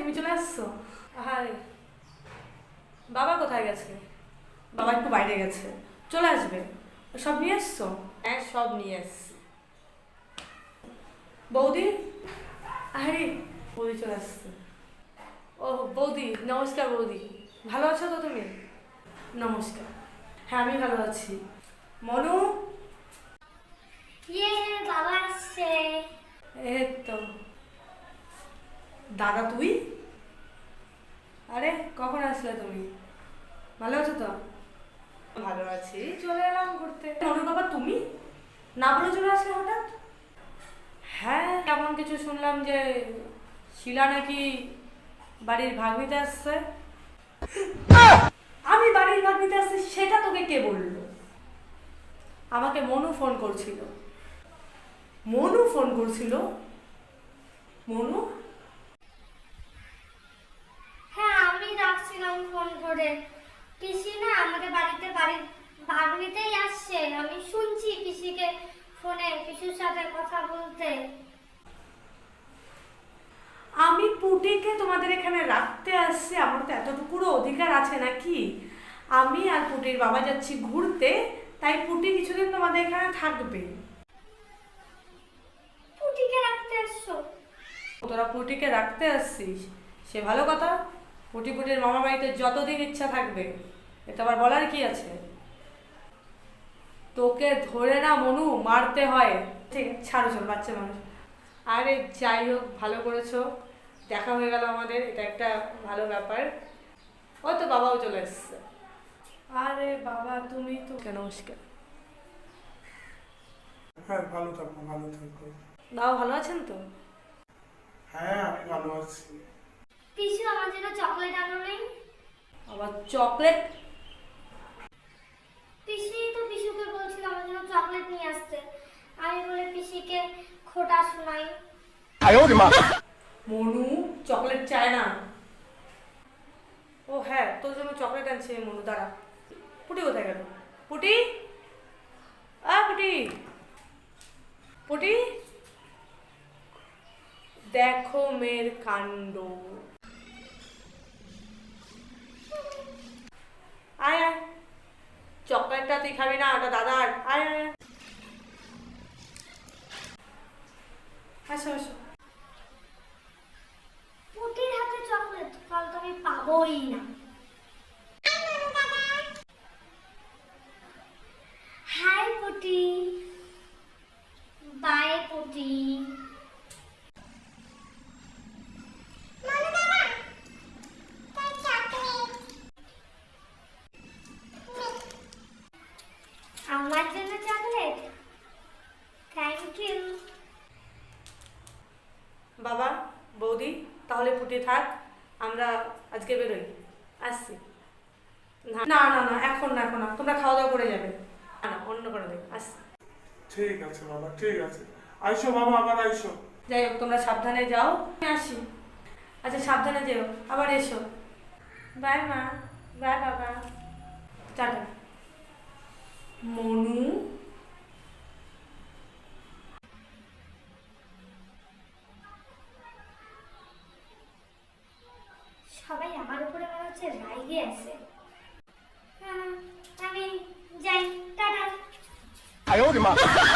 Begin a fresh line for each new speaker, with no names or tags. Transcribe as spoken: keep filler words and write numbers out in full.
তুমি চলে আসছো? হাই, বাবা কোথায় গেছে? বাবা একটু বাইরে গেছে, চলে আসবে। সব নিয়ে এসছো?
হ্যাঁ, সব নিয়ে এসছি।
বৌদি, আরে বৌদি চলে আসছে। ও বৌদি, নমস্কার বৌদি। ভালো আছো তো তুমি? নমস্কার। হ্যাঁ আমি ভালো আছি। মনু,
ইয়ে বাবা আসছে।
এই তো। দাদা তুই? আরে কখন আসলে তুমি? ভালো আছো তো?
ভালো আছি, চলে এলাম ঘুরতে।
মনু বাবা তুমি না বলে চলে আসলে হঠাৎ? হ্যাঁ এমন কিছু শুনলাম যে শিলা নাকি বাড়ির ভাগ নিতে আসছে। আমি বাড়ির ভাগ নিতে আসছি সেটা তোকে কে বললো? আমাকে মনু ফোন করছিল। মনু ফোন করছিল? মনু?
হ্যাঁ আমি রাখছিলাম ফোন করে। পিসি না আমাদের বাড়িতে বাড়ির ভাগ নিতেই আসছে। আমি শুনছি পিসিকে ফোনে পিসুর সাথে কথা বলতে।
আমি পুটিকে তোমাদের এখানে রাখতে আসছি, আমার তো এতটুকুরও অধিকার আছে নাকি? আমি আর পুটির বাবা যাচ্ছি ঘুরতে, তাই পুটি কিছুদিন তোমাদের এখানে থাকবে।
পুটিকে রাখতে আসছো?
তোরা পুটিকে রাখতে আসছিস সে ভালো কথা। পুটি পুটির মামা বাড়িতে যতদিন ইচ্ছা থাকবে, এটা আবার বলার কি আছে? তোকে ধরে না মনু মারতে হয়। ঠিক আছে ছাড়ো, চল বাচ্চা মানুষ। আরে যাই হোক, ভালো করেছো, দেখা হয়ে গেল আমাদের, এটা একটা ভালো ব্যাপার। ও তো বাবাও চলে এসছে। আরে বাবা তুমি তো, নমস্কার।
হ্যাঁ ভালো থাকো, ভালো থাকো।
বাবা ভালো আছেন তো?
হ্যাঁ আমি ভালো আছি।
পিসু আমার জন্য চকলেট আনো নেই?
আবার চকলেট?
পিসি তো পিসুকে বলছিল আমার জন্য চকলেট নিয়ে আসতে। আমি বলে পিসিকে খোটা শোনাই।
মনু চকলেট চায় না। ও হ্যাঁ, তোর জন্য চকলেট আনছে মনু, দাঁড়া। পুটি কোথায় গেল? পুটি, আ পুটি, পুটি, দেখো মেয়ের কাণ্ড। আয় আয়, চকলেটটা তুই খাবি না, ওটা দাদার। আয় আয় আয়। আসো আসো।
পুটির হাতে চকলেট কাল তো আমি পাবোই না। হাই পুটি, বাই পুটি। আমার জন্য চকলেট? Thank you.
বাবা, বৌদি, তাহলে পুটি থাক, আমরা আজকে বেরোই, আসছি। না না না না, এখন না, এখন না, তোমরা খাওয়া দাওয়া করে যাবে। না না, অন্য করে দেবে, আসছি।
ঠিক আছে বাবা, ঠিক আছে। আইসো বাবা, আবার আইসো।
যাই হোক তোমরা সাবধানে যাও, আমি আসি। আচ্ছা সাবধানে যেও, আবার এসো। বাই মা, বাই বাবা, টাটা। মনু,
সবাই আমার উপরে মনে হচ্ছে রাগে আছে। হ্যাঁ, আমি যাই, টাটা।